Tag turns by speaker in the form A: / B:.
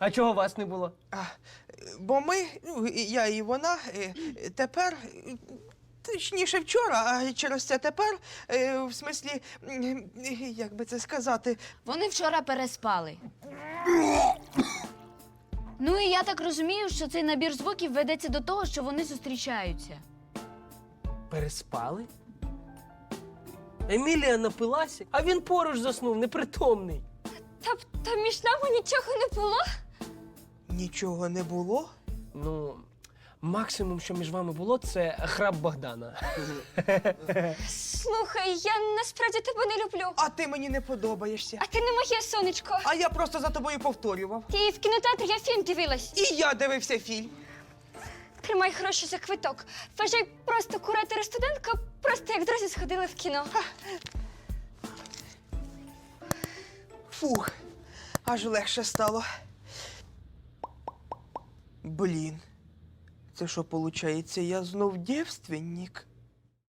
A: А чого вас не було?
B: Бо ми, ну, я і вона, тепер, точніше вчора, а через це тепер, в смислі, як би це сказати,
C: Вони вчора переспали. Ну і я так розумію, що цей набір звуків ведеться до того, що вони зустрічаються.
A: Переспали? Емілія напилася, а він поруч заснув, непритомний.
D: Тобто між нами нічого не було?
B: нічого не було.
A: Ну, максимум, що між вами було, це храп Богдана.
D: Слухай, я насправді тебе не люблю.
B: А ти мені не подобаєшся.
D: А ти не моє сонечко.
B: А я просто за тобою повторював.
D: Ти в кінотеатрі я фільм дивилась.
B: І я дивився фільм.
D: Тримай гроші за квиток. Вважай, просто куратор і студентка просто як друзі сходили в кіно.
B: Фух, аж легше стало. Блін, це що, виходить, я знов дівственник?